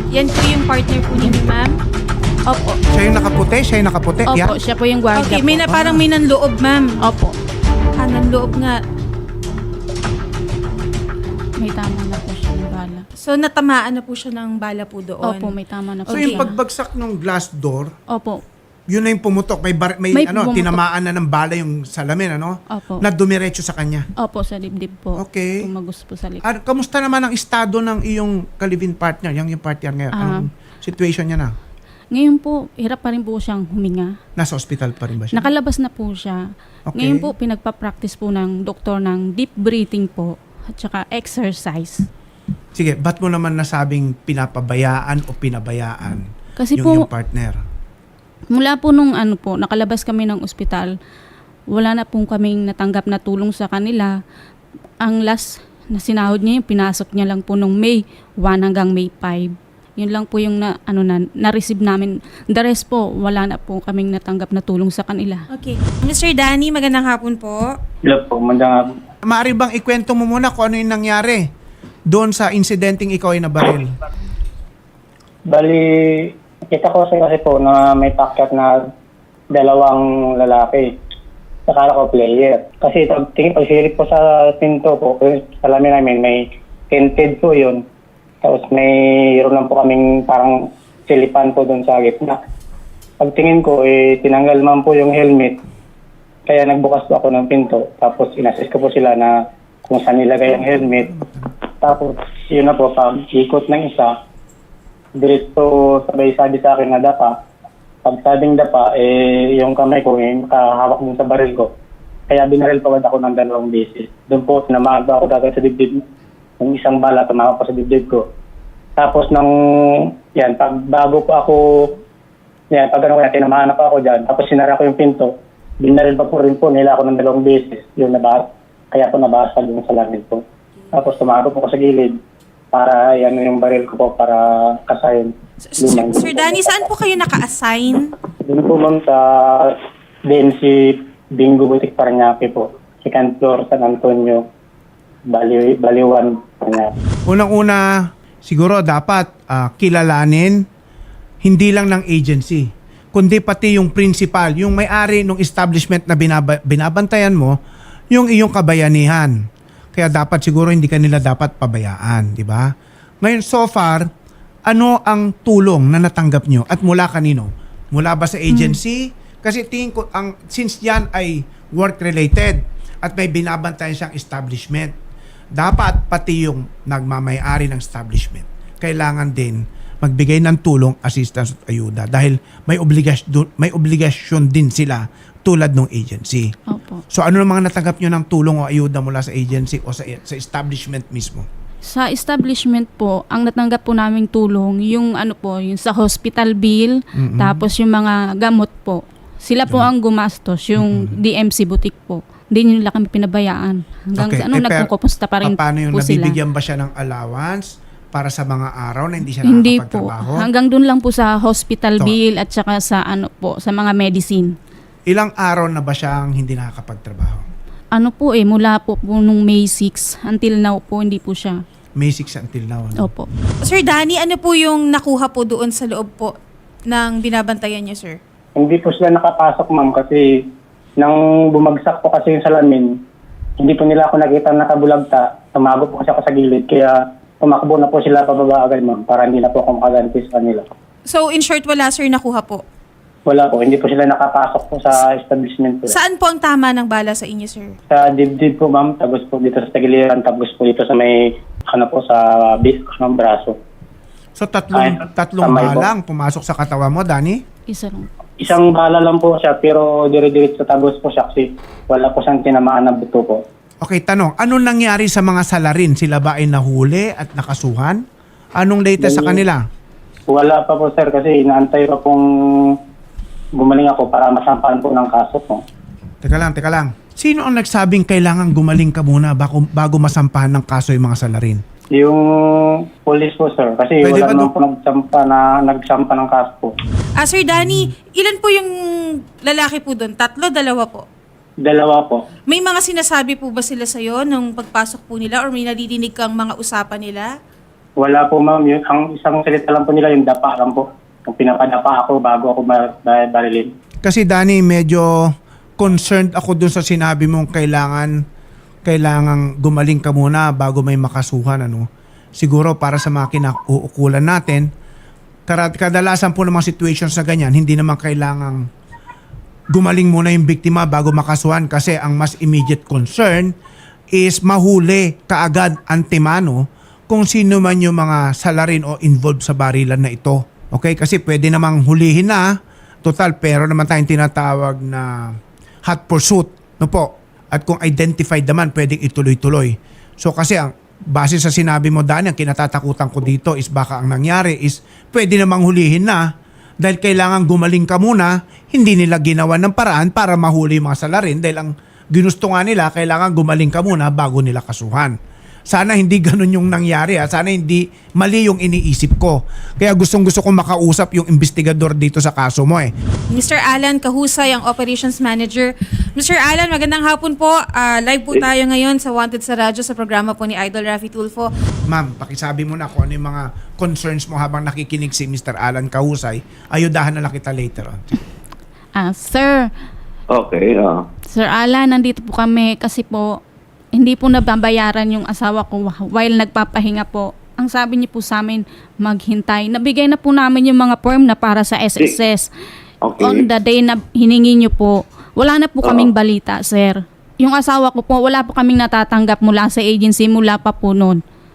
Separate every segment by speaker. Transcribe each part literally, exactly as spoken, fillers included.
Speaker 1: Yan po yung partner po ninyo, ma'am? Opo.
Speaker 2: Siya yung nakaputi? Siya yung nakaputi?
Speaker 3: Opo,
Speaker 2: Yeah?
Speaker 3: siya po yung guardia
Speaker 1: Okay, may na,
Speaker 3: po.
Speaker 1: parang may nanloob, ma'am.
Speaker 3: Opo.
Speaker 1: Ah, nanloob nga.
Speaker 3: May tama na po siya ng bala.
Speaker 1: So, natamaan na po siya ng bala po doon.
Speaker 3: Opo, may tama na po
Speaker 2: So yung
Speaker 3: siya.
Speaker 2: pagbagsak ng glass door,
Speaker 3: Opo.
Speaker 2: yun na yung pumutok. May, bar- may,
Speaker 3: May
Speaker 2: ano,
Speaker 3: pumutok.
Speaker 2: tinamaan na ng bala yung salamin, ano?
Speaker 3: Opo.
Speaker 2: Na dumiretso sa kanya.
Speaker 3: Opo, sa dibdib po.
Speaker 2: Okay.
Speaker 3: Tumagos po sa likod.
Speaker 2: At kamusta naman ang estado ng iyong kalivin partner, yung yung partner ngayon?
Speaker 3: Ah.
Speaker 2: Anong situation niya na?
Speaker 3: Ngayon po, hirap pa rin po siyang huminga.
Speaker 2: Nasa ospital pa rin ba siya?
Speaker 3: Nakalabas na po siya.
Speaker 2: Okay.
Speaker 3: Ngayon po, pinagpa-practice po ng doktor ng deep breathing po at saka exercise.
Speaker 2: Sige, ba't mo naman nasabing pinapabayaan o pinabayaan
Speaker 3: Kasi
Speaker 2: yung
Speaker 3: po,
Speaker 2: iyong partner?
Speaker 3: mula po nung ano po, nakalabas kami ng ospital, wala na pong kaming natanggap na tulong sa kanila. Ang last na sinahod niya, yung pinasok niya lang po nung May first hanggang May fifth. Yun lang po yung na, ano na, na-receive namin. The rest po, wala na po kaming natanggap na tulong sa kanila.
Speaker 1: Okay. Mister Danny, magandang hapon po.
Speaker 4: Hello po, magandang
Speaker 2: Maaari bang ikwento mo muna kung ano yung nangyari doon sa insidenteng ikaw ay nabaril?
Speaker 4: Bali, kita ko kasi, kasi po na may packet na dalawang lalaki. Nakala ko player. Kasi pag tingin, pag silip po sa pinto po, sa lamin namin, may tinted po yun. Tapos mayroon lang po kaming parang silipan po doon sa gitna. Pagtingin ko, eh, tinanggal man po yung helmet. Kaya nagbukas po ako ng pinto. Tapos inassist ko po sila na kung saan nilagay ang helmet. Tapos yun na po, pag ikot ng isa, diretso sabay sabi sa akin na dapa. Pag sabing dapa, eh, yung kamay ko, eh, makahawak dun sa baril ko. Kaya binaril pawad ako ng dalawang beses. Doon po, namaag ako dagad sa dibdib. Yung isang bala, tumawag ko sa dibdib ko. Tapos nang, yan, pag bago po ako, yan, pag ano kaya, tinamahan pa ako dyan. Tapos sinara ko yung pinto. Binaril pa po rin po nila ako ng dalawang beses. Yung nabas, kaya po nabasag yung sa langit po. Tapos tumaro po ko sa gilid para yan yung baril ko po para kasayin.
Speaker 1: Sir, Sir Danny, saan po kayo naka-assign?
Speaker 4: Doon po ma'am sa D N C Bingo Butik Paranaque po. Second floor, San Antonio, Bali, Baliwan, Paranaque.
Speaker 2: Unang-una, siguro dapat ah, kilalanin hindi lang ng agency, kundi pati yung principal, yung may-ari ng establishment na binaba- binabantayan mo, yung iyong kabayanihan. Kaya dapat siguro hindi ka nila dapat pabayaan, di ba? Ngayon, so far, ano ang tulong na natanggap nyo at mula kanino? Mula ba sa agency? Kasi tingin ko, ang, since yan ay work-related at may binabantayan siyang establishment, dapat pati yung nagmamayari ng establishment, kailangan din magbigay ng tulong, assistance at ayuda dahil may obligasyon, may obligasyon din sila tulad ng agency.
Speaker 3: Opo.
Speaker 2: So ano ang mga natanggap nyo ng tulong o ayuda mula sa agency o sa, sa establishment mismo?
Speaker 3: Sa establishment po, ang natanggap po naming tulong, yung ano po, yung sa hospital bill,
Speaker 2: Mm-mm.
Speaker 3: tapos yung mga gamot po. Sila po ang gumastos, yung D M C butik po. Hindi nila kami pinabayaan. Hanggang
Speaker 2: Okay.
Speaker 3: sa ano,
Speaker 2: Eh, pero,
Speaker 3: nagkukumusta pa rin
Speaker 2: Paano yung
Speaker 3: po sila.
Speaker 2: nabibigyan ba siya ng allowance para sa mga araw na hindi siya
Speaker 3: Hindi po.
Speaker 2: nakakapagtrabaho?
Speaker 3: Hanggang dun lang po sa hospital
Speaker 2: So,
Speaker 3: bill at saka sa ano po, sa mga medicine.
Speaker 2: Ilang araw na ba siyang hindi nakakapagtrabaho?
Speaker 3: Ano po eh, mula po, po nung May sixth until now po, hindi po siya.
Speaker 2: May six until now. Ano?
Speaker 3: Opo.
Speaker 1: Sir Danny, ano po yung nakuha po doon sa loob po ng binabantayan niyo, sir?
Speaker 4: Hindi po sila nakapasok ma'am kasi nang bumagsak po kasi yung salamin, hindi po nila ako nakita nakabulagta. Tumago po kasi ako sa gilid kaya tumakbo na po sila pababa agad ma'am para hindi na po ako makaganti sa kanila.
Speaker 1: So, in short, wala, sir, nakuha po.
Speaker 4: Wala po, hindi po sila nakapasok po sa establishment po.
Speaker 1: Saan po ang tama ng bala sa inyo, sir?
Speaker 4: Sa dibdib po ma'am, tapos po dito sa tagiliran, tapos po dito sa may, ano po, sa bis ng braso.
Speaker 2: So tatlong,
Speaker 4: Ay,
Speaker 2: tatlong
Speaker 4: tamay po.
Speaker 2: balang pumasok sa katawan mo, Danny?
Speaker 3: Isa lang.
Speaker 4: Isang bala lang po siya, pero dire-dirit sa tagos po siya kasi wala po siyang tinamaan na buto po.
Speaker 2: Okay, tanong, anong nangyari sa mga salarin? Sila ba ay nahuli at nakasuhan? Anong latest sa kanila?
Speaker 4: Wala pa po sir kasi inaantay pa pong gumaling ako para masampahan po ng kaso po.
Speaker 2: Teka lang, teka lang. Sino ang nagsabing kailangan gumaling ka muna bago, bago masampahan ng kaso yung mga salarin?
Speaker 4: Yung police po sir, kasi
Speaker 2: Pwede
Speaker 4: wala
Speaker 2: ba
Speaker 4: naman
Speaker 2: do-
Speaker 4: po nagsampa, na, nagsampa ng kaso po.
Speaker 1: Ah, Sir Danny, ilan po yung lalaki po doon? Tatlo, dalawa po?
Speaker 4: Dalawa po.
Speaker 1: May mga sinasabi po ba sila sa'yo nung pagpasok po nila or may nadidinig kang mga usapan nila?
Speaker 4: Wala po ma'am, yun, ang isang salita lang po nila yung dapa lang po. Yung pinapadapa ako bago ako bar- bar- barilin.
Speaker 2: Kasi Danny, medyo concerned ako dun sa sinabi mong kailangan kailangan gumaling ka muna bago may makasuhan. Ano? Siguro para sa mga kinauukulan natin, karad- kadalasan po ng mga situations na ganyan, hindi naman kailangang gumaling muna yung biktima bago makasuhan kasi ang mas immediate concern is mahuli kaagad antemano kung sino man yung mga salarin o involved sa barilan na ito. Okay? Kasi pwede namang hulihin na, total, pero naman tayong tinatawag na hot pursuit. No po? At kung identified naman, pwedeng ituloy-tuloy. So kasi ang base sa sinabi mo, Dani, ang kinatatakutan ko dito is baka ang nangyari is pwede namang hulihin na dahil kailangan gumaling ka muna, hindi nila ginawa ng paraan para mahuli yung mga salarin dahil ang ginusto nga nila, kailangan gumaling ka muna bago nila kasuhan. Sana hindi ganun yung nangyari. Ha? Sana hindi mali yung iniisip ko. Kaya gustong gusto kong makausap yung investigador dito sa kaso mo eh.
Speaker 1: Mister Alan Kahusay, ang Operations Manager. Mister Alan, magandang hapon po. Ah, live po tayo ngayon sa Wanted sa Radyo sa programa po ni Idol Raffy Tulfo.
Speaker 2: Ma'am, pakisabi mo na kung ano yung mga concerns mo habang nakikinig si Mister Alan Kahusay. Ayudahan na lang kita later on.
Speaker 3: Ah, sir,
Speaker 5: Okay, ah.
Speaker 3: Sir Alan, nandito po kami kasi po hindi po nababayaran yung asawa ko while nagpapahinga po. Ang sabi niyo po sa amin, maghintay. Nabigay na po namin yung mga form na para sa S S S.
Speaker 5: Okay.
Speaker 3: On the day na hiningi niyo po, wala na po kaming balita, sir. Yung asawa ko po, wala po kaming natatanggap mula sa agency, mula pa po noon.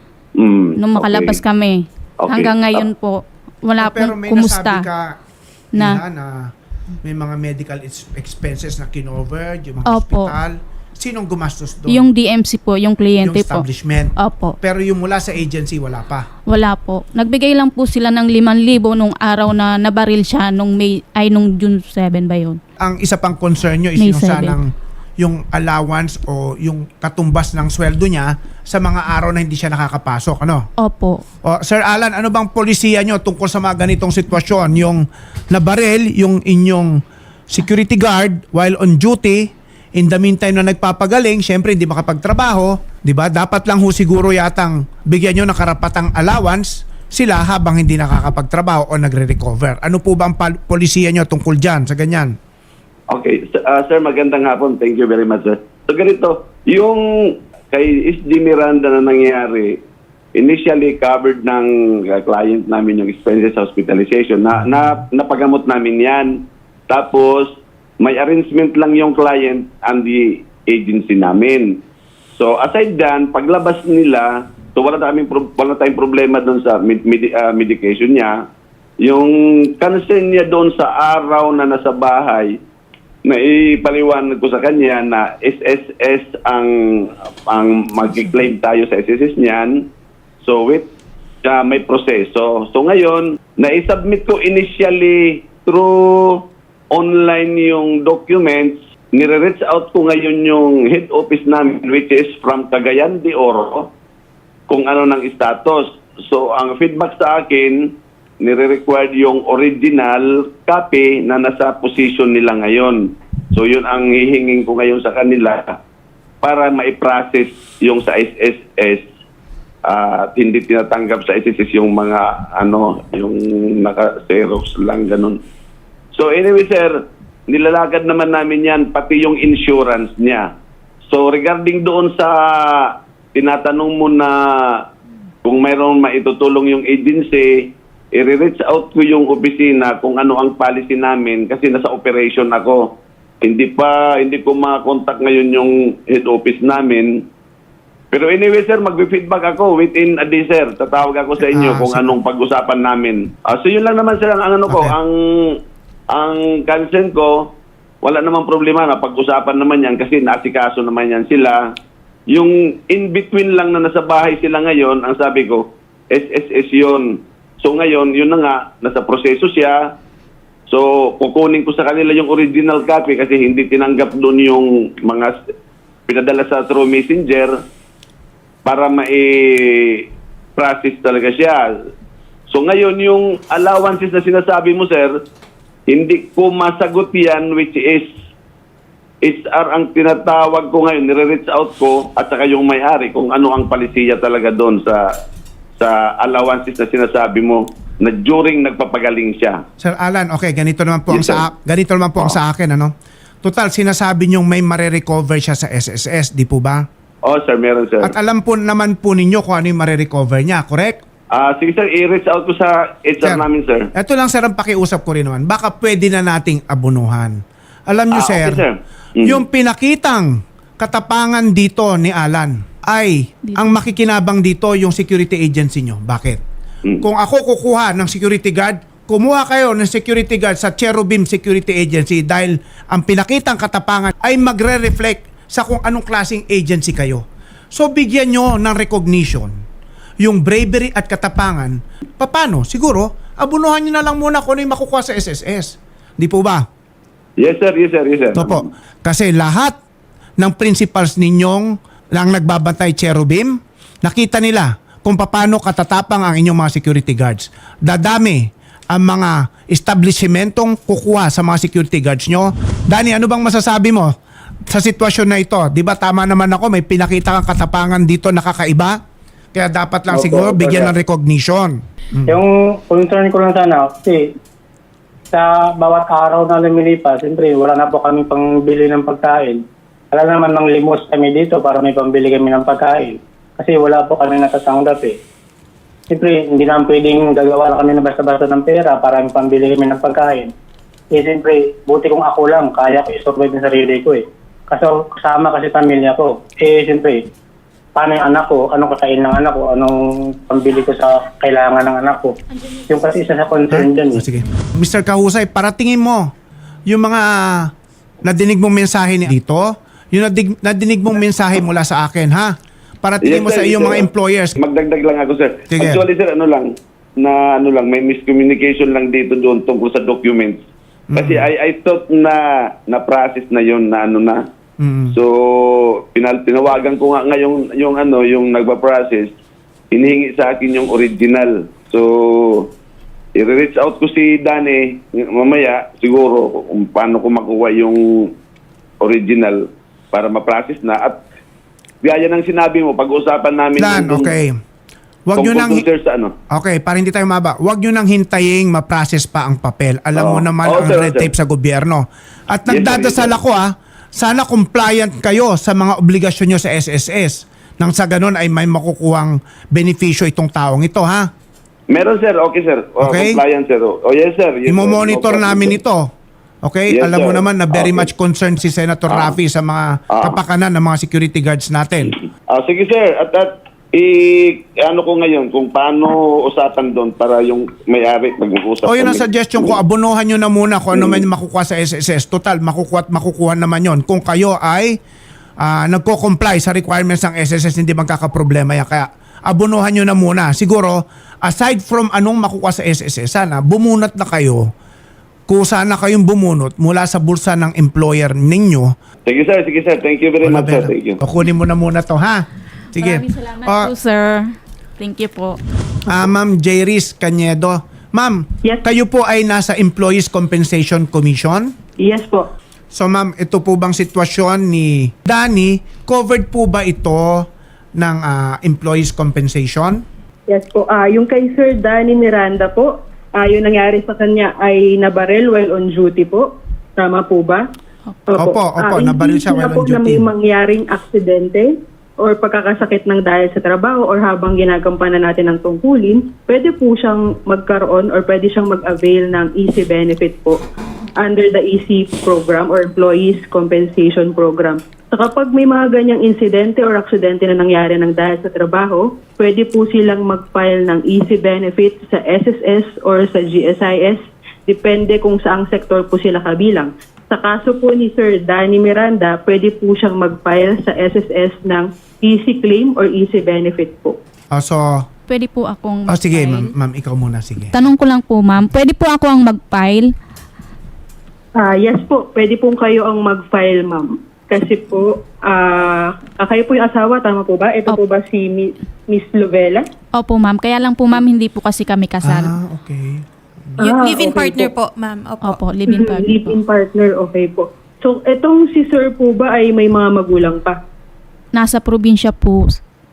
Speaker 5: Mm,
Speaker 3: Nung makalabas
Speaker 5: okay.
Speaker 3: kami.
Speaker 5: Okay.
Speaker 3: Hanggang ngayon po, wala
Speaker 2: Pero
Speaker 3: pong
Speaker 2: may
Speaker 3: kumusta.
Speaker 2: nasabi ka
Speaker 3: Na-
Speaker 2: na, na may mga medical ex- expenses na kinover, yung mga
Speaker 3: Opo.
Speaker 2: hospital. Sinong gumastos doon?
Speaker 3: Yung D M C po, yung
Speaker 2: Yung
Speaker 3: kliyente po.
Speaker 2: establishment.
Speaker 3: Opo.
Speaker 2: Pero yung mula sa agency, wala pa.
Speaker 3: Wala po. Nagbigay lang po sila ng limang libo nung araw na nabaril siya nung May, ay nung June seven ba yun?
Speaker 2: Ang isa pang concern nyo is
Speaker 3: May
Speaker 2: yung
Speaker 3: seven.
Speaker 2: sanang yung allowance o yung katumbas ng sweldo niya sa mga araw na hindi siya nakakapasok. Ano?
Speaker 3: Opo.
Speaker 2: O, Sir Alan, ano bang polisiya nyo tungkol sa mga ganitong sitwasyon? Yung nabaril, yung inyong security guard while on duty, in the meantime na nagpapagaling, syempre hindi makapagtrabaho, di ba? Dapat lang ho siguro yatang bigyan nyo ng karapatang allowance sila habang hindi nakakapagtrabaho o nagre-recover. Ano po ba ang pal- polisiya nyo tungkol dyan sa ganyan?
Speaker 5: Okay. S- ah, sir, magandang hapon. Thank you very much, sir. So, ganito, yung kay S D Miranda na nangyari, initially covered ng uh, client namin yung expenses sa hospitalization. Na, na, napagamot namin yan. Tapos, may arrangement lang yung client and the agency namin. So, aside dyan, paglabas nila, so wala tayong, pro- wala tayong problema doon sa med- med- uh, medication niya. Yung concern niya doon sa araw na nasa bahay, na ipaliwanag ko sa kanya na S S S ang ang mag-claim tayo sa S S S niyan. So, with uh, may proseso. So, ngayon, na-submit ko initially through online yung documents, nire-reach out ko ngayon yung head office namin which is from Cagayan de Oro kung ano ng status. So, ang feedback sa akin, nire-required yung original copy na nasa position nila ngayon. So, yun ang hihingin ko ngayon sa kanila para ma-process yung sa S S S at uh, hindi tinatanggap sa S S S yung mga ano, yung naka-xerox lang ganun. So anyway sir, nilalagad naman namin yan, pati yung insurance niya. So regarding doon sa tinatanong mo na kung mayroong maitutulong yung agency, i-reach out ko yung opisina kung ano ang policy namin kasi nasa operation ako. Hindi pa, hindi ko ma-contact ngayon yung head office namin. Pero anyway sir, mag-feedback ako within a day sir. Tatawag ako sa inyo
Speaker 2: Ah,
Speaker 5: kung
Speaker 2: sir.
Speaker 5: anong pag-usapan namin. Ah, so yun lang naman sir ang ano ko,
Speaker 2: Okay.
Speaker 5: ang ang concern ko, wala namang problema na pag-usapan naman yan kasi naasikaso naman yan sila. Yung in-between lang na nasa bahay sila ngayon, ang sabi ko, S S S yun. So ngayon, yun na nga, nasa proseso siya. So kukunin ko sa kanila yung original copy kasi hindi tinanggap doon yung mga pinadala sa through messenger para ma-process talaga siya. So ngayon, yung allowances na sinasabi mo, sir, hindi ko masagot yan which is H R ang tinatawag ko ngayon, nire-reach out ko at saka yung may-ari kung ano ang palisiya talaga doon sa sa allowances na sinasabi mo na during nagpapagaling siya.
Speaker 2: Sir Alan, okay, ganito naman po ang
Speaker 5: Yes, sir.
Speaker 2: sa ganito naman po ang sa akin, ano? Total, sinasabi niyong may mare-recover siya sa S S S, di po ba?
Speaker 5: Oh, sir, meron, sir.
Speaker 2: At alam po naman po ninyo kung ano yung mare-recover niya, correct?
Speaker 5: Ah, sige, sir, i-reach out ko sa H R
Speaker 2: Sir,
Speaker 5: namin, sir.
Speaker 2: Ito lang, sir, ang pakiusap ko rin naman. Baka pwede na nating abunuhan. Alam niyo,
Speaker 5: Ah,
Speaker 2: sir,
Speaker 5: okay, sir. Mm.
Speaker 2: yung pinakitang katapangan dito ni Alan ay ang makikinabang dito yung security agency nyo. Bakit?
Speaker 5: Mm.
Speaker 2: Kung ako kukuha ng security guard, kumuha kayo ng security guard sa Cherubim Security Agency dahil ang pinakitang katapangan ay magre-reflect sa kung anong klaseng agency kayo. So bigyan nyo ng recognition yung bravery at katapangan. Paano? Siguro, abunuhan nyo na lang muna kung ano yung makukuha sa S S S. Di po ba?
Speaker 5: Yes, sir, yes, sir, yes, sir.
Speaker 2: Ito po. Kasi lahat ng principals ninyong lang nagbabantay Cherubim, nakita nila kung paano katatapang ang inyong mga security guards. Dadami ang mga establishmentong kukuha sa mga security guards nyo. Danny, ano bang masasabi mo sa sitwasyon na ito? Di ba tama naman ako, may pinakita kang katapangan dito nakakaiba? Kaya dapat lang
Speaker 4: Opo,
Speaker 2: siguro
Speaker 4: opo,
Speaker 2: bigyan
Speaker 4: sir.
Speaker 2: ng recognition.
Speaker 4: Yung concern ko lang sana, kasi sa bawat araw na lumilipas, siyempre wala na po kami pangbili ng pagkain. Wala naman ng limos kami dito para may pambili kami ng pagkain. Kasi wala po kami natatanggap eh. Siyempre, hindi naman pwedeng gagawa na kami na basta-basta ng pera para may pambili kami ng pagkain. Eh, siyempre, buti kung ako lang, kaya ko i-survive ng sarili ko eh. Kasi kasama kasi pamilya ko. Eh, siyempre, paano yung anak ko, anong kakain ng anak ko, anong pambili ko sa kailangan ng anak ko. Yung kasi isa sa concern dyan
Speaker 2: Ah,
Speaker 4: eh.
Speaker 2: sige. mister Kahusay, paratingin mo yung mga nadinig mong mensahe ni dito, yung nadig, nadinig mong mensahe mula sa akin, ha? Paratingin mo
Speaker 5: Yes,
Speaker 2: sa
Speaker 5: sir,
Speaker 2: iyong
Speaker 5: yes,
Speaker 2: mga
Speaker 5: sir.
Speaker 2: employers.
Speaker 5: Magdagdag lang ako, sir.
Speaker 2: Sige.
Speaker 5: Actually, sir, ano lang, na ano lang, may miscommunication lang dito doon tungkol sa documents. Kasi I, I thought na na-process na yun na ano na.
Speaker 2: Mm.
Speaker 5: So, pinal tinawagan ko nga ngayon yung ano, yung nagpa-process, hinihingi sa akin yung original. So, i-reach out ko si Danny mamaya siguro kung paano ko makuha yung original para ma-process na. At gaya ng sinabi mo, pag-usapan namin
Speaker 2: Plan,
Speaker 5: yung-
Speaker 2: okay. Wag nyo
Speaker 5: tungkol
Speaker 2: nang...
Speaker 5: dun, sir, sa ano.
Speaker 2: Okay, para hindi tayo maba. Wag nyo nang hintayin ma-process pa ang papel. Alam mo
Speaker 5: Oo.
Speaker 2: naman
Speaker 5: Oo,
Speaker 2: ang
Speaker 5: sir,
Speaker 2: red
Speaker 5: sir.
Speaker 2: tape sa gobyerno. At
Speaker 5: Yes, sir,
Speaker 2: nagdadasal
Speaker 5: yes, sir.
Speaker 2: ako ah, sana compliant kayo sa mga obligasyon nyo sa S S S. Nang sa ganun ay may makukuhang benepisyo itong taong ito, ha?
Speaker 5: Meron, sir. Okay, sir. Oh,
Speaker 2: Okay.
Speaker 5: Compliant, sir. Oh, yes, sir. Yes, sir.
Speaker 2: Imo-monitor
Speaker 5: No problem,
Speaker 2: namin
Speaker 5: sir.
Speaker 2: ito. Okay?
Speaker 5: Yes,
Speaker 2: Alam mo
Speaker 5: sir.
Speaker 2: naman na very
Speaker 5: Okay.
Speaker 2: much concerned si Senator
Speaker 5: Ah.
Speaker 2: Raffy sa mga
Speaker 5: Ah.
Speaker 2: kapakanan ng mga security guards natin.
Speaker 5: Ah, sige, sir. At, at i ano ko ngayon kung paano usapan doon para yung may-ari mag-uusap.
Speaker 2: O yun ang
Speaker 5: kami.
Speaker 2: suggestion ko, abunuhan nyo na muna kung ano man yung makukuha sa S S S. Total, makukuha at makukuha naman yon. Kung kayo ay ah, nagko-comply sa requirements ng S S S, hindi magkakaproblema yan. Kaya abunuhan nyo na muna. Siguro, aside from anong makukuha sa S S S, sana bumunot na kayo kung sana kayong bumunot mula sa bulsa ng employer ninyo.
Speaker 5: Sige, sir. Sige, sir. Thank you very
Speaker 2: Wala
Speaker 5: much, sir.
Speaker 2: ba-
Speaker 5: Thank you.
Speaker 2: O, kunin mo na muna to, ha? Sige.
Speaker 3: Maraming salamat
Speaker 2: Ah,
Speaker 3: po, sir. Thank you po.
Speaker 2: Ah, Ma'am Jairis Cañedo. Ma'am,
Speaker 6: Yes.
Speaker 2: kayo po ay nasa Employees Compensation Commission?
Speaker 6: Yes po.
Speaker 2: So ma'am, ito po bang sitwasyon ni Danny, covered po ba ito ng ah, Employees Compensation?
Speaker 6: Yes po. Ah, yung kay Sir Danny Miranda po, ah, yung nangyari sa kanya ay nabaril while on duty po. Tama po ba?
Speaker 2: Opo, opo,
Speaker 6: Ah,
Speaker 2: nabaril siya
Speaker 6: hindi
Speaker 2: while
Speaker 6: na po
Speaker 2: on
Speaker 6: na may
Speaker 2: duty.
Speaker 6: mangyaring aksidente or pagkakasakit ng dahil sa trabaho or habang ginagampanan natin ng tungkulin, pwede po siyang magkaroon or pwede siyang mag-avail ng easy benefit po under the E C program or Employees Compensation Program. So kapag may mga ganyang insidente or aksidente na nangyari ng dahil sa trabaho, pwede po silang mag-file ng easy benefit sa S S S or sa G S I S, depende kung saang sektor po sila kabilang. Sa kaso po ni Sir Danny Miranda, pwede po siyang mag-file sa S S S ng easy claim or easy benefit po.
Speaker 2: Ah, so,
Speaker 3: Pwede po akong
Speaker 2: oh, sige
Speaker 3: mag-file?
Speaker 2: ma'am, ma'am, ikaw muna, sige.
Speaker 3: Tanong ko lang po, ma'am. Pwede po ako ang mag-file?
Speaker 6: Ah, yes po, pwede po kayo ang mag-file, ma'am. Kasi po, ah kayo po yung asawa, tama po ba? Ito po
Speaker 3: Opo.
Speaker 6: ba si Mi- Miss Lovella?
Speaker 3: Opo, ma'am. Kaya lang po, ma'am, hindi po kasi kami kasal.
Speaker 2: Ah, okay.
Speaker 1: Yung
Speaker 6: Ah,
Speaker 1: live-in
Speaker 6: okay
Speaker 1: partner
Speaker 6: po.
Speaker 1: po, ma'am. Opo.
Speaker 3: Opo, live-in
Speaker 6: Mhm,
Speaker 3: partner po.
Speaker 6: Live-in partner, okay po. So, etong si Sir po ba ay may mga magulang pa?
Speaker 3: Nasa probinsya po.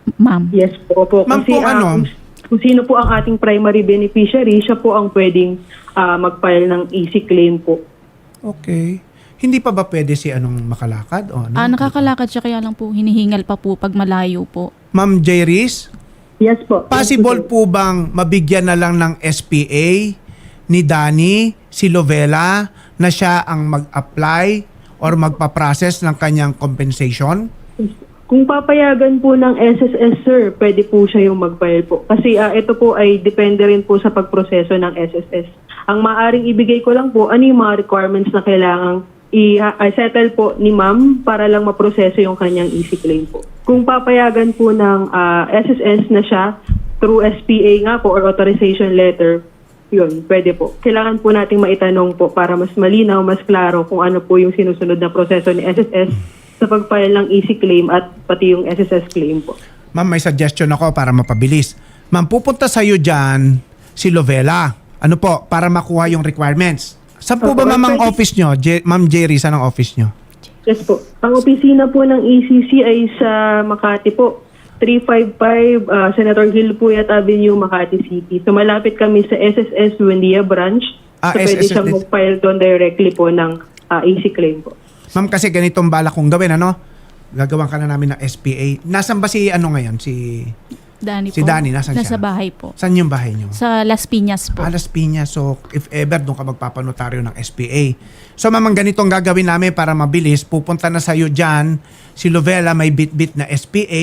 Speaker 3: ma'am.
Speaker 6: Yes po. po.
Speaker 2: Ma'am,
Speaker 6: Kasi
Speaker 2: kung
Speaker 6: ah,
Speaker 2: ano?
Speaker 6: kung, kung sino po ang ating primary beneficiary, siya po ang pwedeng ah, mag-file ng easy claim po.
Speaker 2: Okay. Hindi pa ba pwede si anong makalakad? O, ano?
Speaker 3: Ah, nakakalakad siya kaya lang po hinihingal pa po pag malayo po.
Speaker 2: Ma'am Jairis,
Speaker 6: Yes po.
Speaker 2: possible
Speaker 6: Yes po,
Speaker 2: po bang mabigyan na lang ng S P A ni Danny, si Lovella, na siya ang mag-apply or magpa-process ng kanyang compensation?
Speaker 6: sir. Kung papayagan po ng S S S, sir, pwede po siya yung mag-file po. Kasi ah, ito po ay depende rin po sa pagproseso ng S S S. Ang maaring ibigay ko lang po, ano yung mga requirements na kailangang i-settle po ni ma'am para lang maproseso yung kanyang easy claim po. Kung papayagan po ng ah, S S S na siya through S P A nga po or authorization letter, yun, pwede po. Kailangan po nating maitanong po para mas malinaw, mas klaro kung ano po yung sinusunod na proseso ni S S S sa pag-file ng easy claim at pati yung S S S claim po.
Speaker 2: Ma'am, may suggestion ako para mapabilis. Ma'am, pupunta sa'yo dyan si Lovella. Ano po, para makuha yung requirements. Saan po ba
Speaker 6: Opo,
Speaker 2: ma'am ang
Speaker 6: pwede.
Speaker 2: office nyo? J- Ma'am Jerry, saan ang office nyo?
Speaker 6: Yes po. Ang opisina po ng E C C ay sa Makati po. three fifty-five uh, Senator Gil Puyat Avenue, Makati City. So malapit kami sa S S S Buendia branch.
Speaker 2: Ah,
Speaker 6: so pwede
Speaker 2: S S S
Speaker 6: siyang
Speaker 2: din.
Speaker 6: mag-file doon directly po ng uh, easy claim po.
Speaker 2: Ma'am, kasi ganitong bala kong gawin, ano? Gagawan ka na namin ng S P A. Nasaan ba si ano ngayon? Si
Speaker 3: Danny
Speaker 2: Si
Speaker 3: po.
Speaker 2: Danny, nasan
Speaker 3: Nasa
Speaker 2: siya?
Speaker 3: bahay po.
Speaker 2: Saan yung bahay nyo?
Speaker 3: Sa Las Piñas po.
Speaker 2: Alas Piñas. So, if ever, doon ka magpapanotaryo ng S P A. So, mamang ganitong gagawin namin para mabilis. Pupunta na sa'yo dyan. Si Lovella may bit-bit na S P A.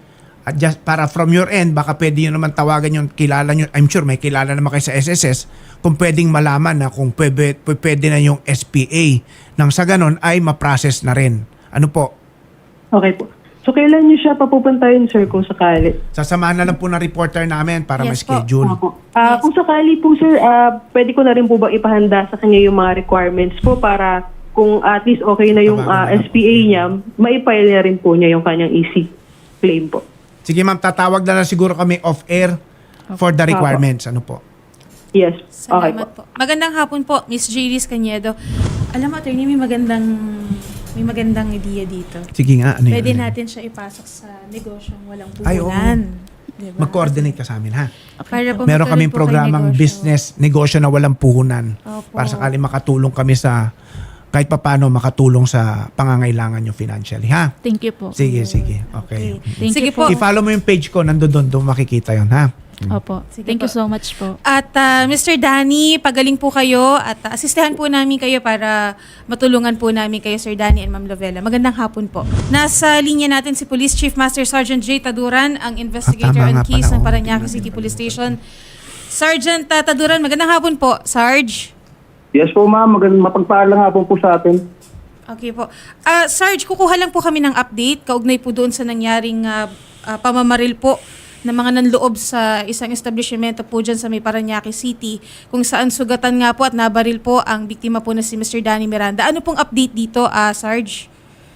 Speaker 2: At just para from your end, baka pwede nyo naman tawagan yung kilala nyo. I'm sure may kilala naman kayo sa S S S. Kung pwedeng malaman na kung pwede, pwede na yung S P A. Nang sa ganon ay ma-process na rin. Ano po?
Speaker 6: Okay po. So kailan niyo siya papupuntahin, sir, kung sakali?
Speaker 2: Sasamahan na lang po ng reporter namin para
Speaker 1: Yes po.
Speaker 2: ma-schedule.
Speaker 6: Opo. Ah, Kung sakali po, sir, ah, pwede ko na rin po ba ipahanda sa kanya yung mga requirements po para kung at least okay na yung
Speaker 2: Tawagan
Speaker 6: ah,
Speaker 2: na lang
Speaker 6: S P A niya, maipile na rin po niya yung kanyang easy claim po.
Speaker 2: Sige ma'am, tatawag na lang siguro kami off-air for the requirements. Ano po?
Speaker 6: Yes. Okay po.
Speaker 1: Salamat po. Magandang hapon po, Miss Jairis Cañedo. Alam mo, attorney, may magandang may magandang idea dito.
Speaker 2: Sige nga, ano yun?
Speaker 1: Pwede
Speaker 2: Ano yun?
Speaker 1: natin siya ipasok sa negosyong walang
Speaker 2: Ay, oo.
Speaker 1: puhunan. Diba?
Speaker 2: Mag-coordinate ka sa amin, ha?
Speaker 1: Para po
Speaker 2: Meron
Speaker 1: magtuloy
Speaker 2: kaming
Speaker 1: po kayo
Speaker 2: programang
Speaker 1: negosyo.
Speaker 2: business, negosyo na walang puhunan.
Speaker 1: Opo.
Speaker 2: Para sakali makatulong kami sa, kahit papano makatulong sa pangangailangan nyo financially, ha?
Speaker 3: Thank you po.
Speaker 2: Sige, sige. Okay.
Speaker 3: Thank
Speaker 1: Sige
Speaker 3: you
Speaker 1: po.
Speaker 2: I-follow mo yung page ko, nandun doon, doon makikita yon ha?
Speaker 3: Opo.
Speaker 1: Sige
Speaker 3: Thank
Speaker 1: po.
Speaker 3: you so much po.
Speaker 1: At ah, Mister Danny, pagaling po kayo at ah, asistehan po namin kayo para matulungan po namin kayo, Sir Danny and Ma'am Lovella. Magandang hapon po. Nasa linya natin si Police Chief Master Sergeant J. Taduran, ang investigator
Speaker 2: Ah, tama
Speaker 1: on
Speaker 2: nga
Speaker 1: case
Speaker 2: pala,
Speaker 1: ng
Speaker 2: oh.
Speaker 1: Parañaque City Police Station. Sergeant ah, Taduran, magandang hapon po, Sarge.
Speaker 7: Yes po ma'am, magandang mapagpaalang nga po po sa atin.
Speaker 1: Okay po. Ah, Sarge, kukuha lang po kami ng update kaugnay po doon sa nangyaring ah, ah, pamamaril po ng mga nanloob sa isang establishmento po dyan sa may Parañaque City, kung saan sugatan nga po at nabaril po ang biktima po na si Mister Danny Miranda. Ano pong update dito, ah, Sarge?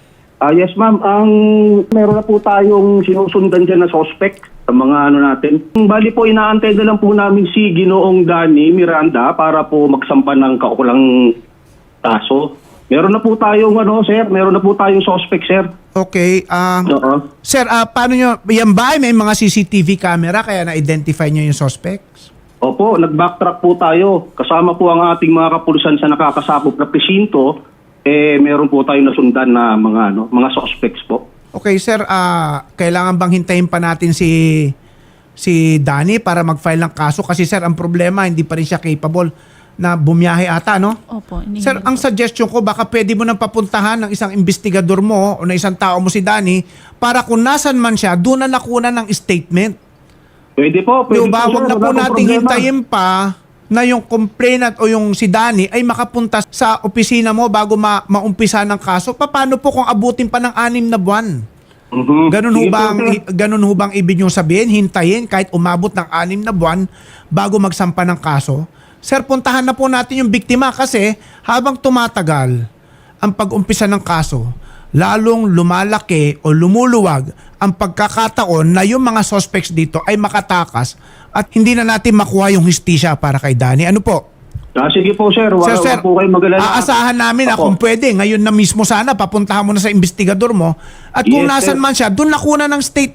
Speaker 7: Ah yes ma'am, ang meron na po tayong sinusundan dyan na suspect sa mga ano natin. Bali po, inaantay na lang po namin si Ginoong Danny Miranda para po magsampa ng kaukulang kaso. Meron na po tayong ano sir, meron na po tayong suspect sir.
Speaker 2: Okay. ah
Speaker 7: Oo.
Speaker 2: sir, ah paano nyo, yan ba ay may mga C C T V camera kaya na-identify nyo yung suspects?
Speaker 7: Opo, nag-backtrack po tayo. Kasama po ang ating mga kapulisan sa nakakasakop na presinto. Eh, meron po tayong nasundan na mga ano, mga suspects po.
Speaker 2: Okay, sir, ah kailangan bang hintayin pa natin si si Danny para mag-file ng kaso? Kasi sir, ang problema, hindi pa rin siya capable na bumiyahe ata, no?
Speaker 3: Opo. inihingi
Speaker 2: Sir, ang
Speaker 3: po.
Speaker 2: suggestion ko, baka pwede mo nang papuntahan ng isang investigador mo o na isang tao mo si Danny para kung nasan man siya, doon na nakuha ng statement.
Speaker 7: Pwede po,
Speaker 2: Di
Speaker 7: pwede
Speaker 2: ba?
Speaker 7: po,
Speaker 2: Huwag
Speaker 7: sir.
Speaker 2: na po
Speaker 7: Wala pong
Speaker 2: nating
Speaker 7: problema.
Speaker 2: hintayin pa na yung complainant o yung si Danny ay makapunta sa opisina mo bago ma- maumpisa ng kaso. Paano po kung abutin pa ng anim na buwan?
Speaker 7: Mhm.
Speaker 2: Ganun ho
Speaker 7: Sige po,
Speaker 2: bang,
Speaker 7: sir.
Speaker 2: ganun ho bang ibig nyo sabihin? Hintayin kahit umabot ng anim na buwan bago magsampa ng kaso? Sir, puntahan na po natin yung biktima kasi habang tumatagal ang pag-umpisa ng kaso, lalong lumalaki o lumuluwag ang pagkakataon na yung mga suspects dito ay makatakas at hindi na natin makuha yung histisya para kay Danny. Ano po?
Speaker 7: Ah, sige po sir, wala,
Speaker 2: Sir, sir,
Speaker 7: wala po kayo magalala.
Speaker 2: aasahan namin na
Speaker 7: Opo.
Speaker 2: kung pwede, ngayon na mismo sana, papuntahan mo na sa investigador mo. At kung
Speaker 7: Yes,
Speaker 2: nasan
Speaker 7: sir.
Speaker 2: man siya, doon nakuha ng statement.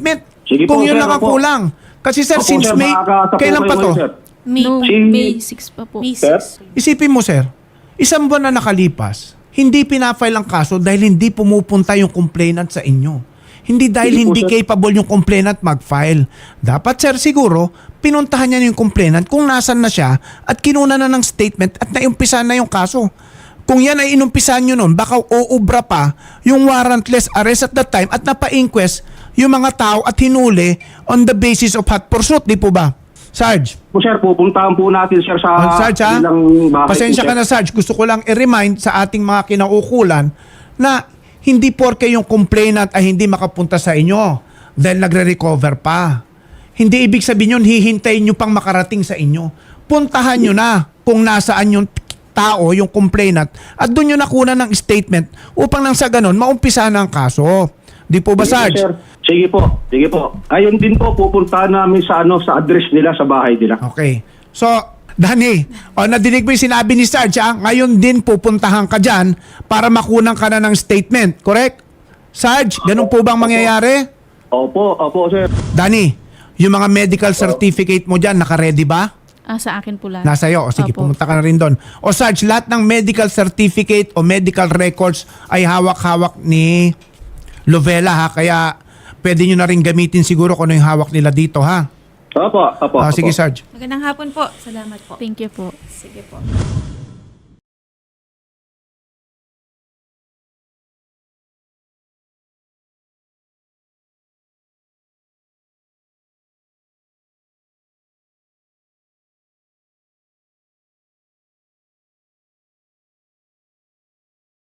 Speaker 7: Sige
Speaker 2: Kung
Speaker 7: po,
Speaker 2: yun
Speaker 7: sir,
Speaker 2: lang ang
Speaker 7: opo.
Speaker 2: kulang. Kasi sir,
Speaker 7: Opo,
Speaker 2: since
Speaker 7: sir,
Speaker 2: May,
Speaker 7: makakasa po
Speaker 2: kailan
Speaker 7: kayo
Speaker 2: pa to?
Speaker 7: ngayon, sir.
Speaker 1: May,
Speaker 3: No,
Speaker 7: Si-
Speaker 3: May six pa po.
Speaker 1: May
Speaker 7: Sir?
Speaker 1: six.
Speaker 2: Isipin mo sir, isang buwan na nakalipas, hindi pinafile ang kaso dahil hindi pumupunta yung complainant sa inyo. Hindi dahil
Speaker 7: Hindi po,
Speaker 2: hindi
Speaker 7: sir.
Speaker 2: capable yung complainant mag-file. Dapat sir siguro, pinuntahan niya yung complainant kung nasan na siya at kinuna na ng statement at naiumpisa na yung kaso. Kung yan ay inumpisahan nyo nun, baka uubra pa yung warrantless arrest at that time at napa-inquest yung mga tao at hinuli on the basis of hot pursuit, di po ba? Sarge?
Speaker 7: Po, sir, pupuntahan po natin, sir, sa
Speaker 2: Uh, Sarge, ha?
Speaker 7: ilang bahay
Speaker 2: Pasensya
Speaker 7: po,
Speaker 2: ka
Speaker 7: sir.
Speaker 2: na, Sarge. Gusto ko lang i-remind sa ating mga kinaukulan na hindi porke yung complainant ay hindi makapunta sa inyo dahil nagre-recover pa. Hindi ibig sabihin yun, hihintayin nyo pang makarating sa inyo. Puntahan nyo na kung nasaan yung tao, yung complainant, at doon nyo nakuna ng statement upang nang sa ganon, maumpisa na ang kaso. Di po ba,
Speaker 7: Sige po,
Speaker 2: Sarge?
Speaker 7: sir. Sige po, sige po. Ayun din po, pupuntahan namin sa ano sa address nila, sa bahay nila.
Speaker 2: Okay. So, Danny, o nadinig mo yung sinabi ni Sarge, ha? Ngayon din pupuntahan ka dyan para makunang ka na ng statement, correct? Sarge, ganun po bang mangyayari?
Speaker 7: Opo, opo, sir.
Speaker 2: Danny, yung mga medical certificate mo dyan, naka-ready ba?
Speaker 3: Ah, sa akin po lahat.
Speaker 2: Nasa iyo. O sige,
Speaker 3: Opo.
Speaker 2: pumunta ka na rin doon. O Sarge, lahat ng medical certificate o medical records ay hawak-hawak ni Lovella, ha? Kaya pwede nyo na rin gamitin siguro kung ano yung hawak nila dito, ha?
Speaker 7: Opo, opo.
Speaker 2: Ah, sige,
Speaker 7: opo.
Speaker 2: Sarge.
Speaker 1: Magandang hapon po. Salamat po.
Speaker 3: Thank you po.
Speaker 1: Sige po.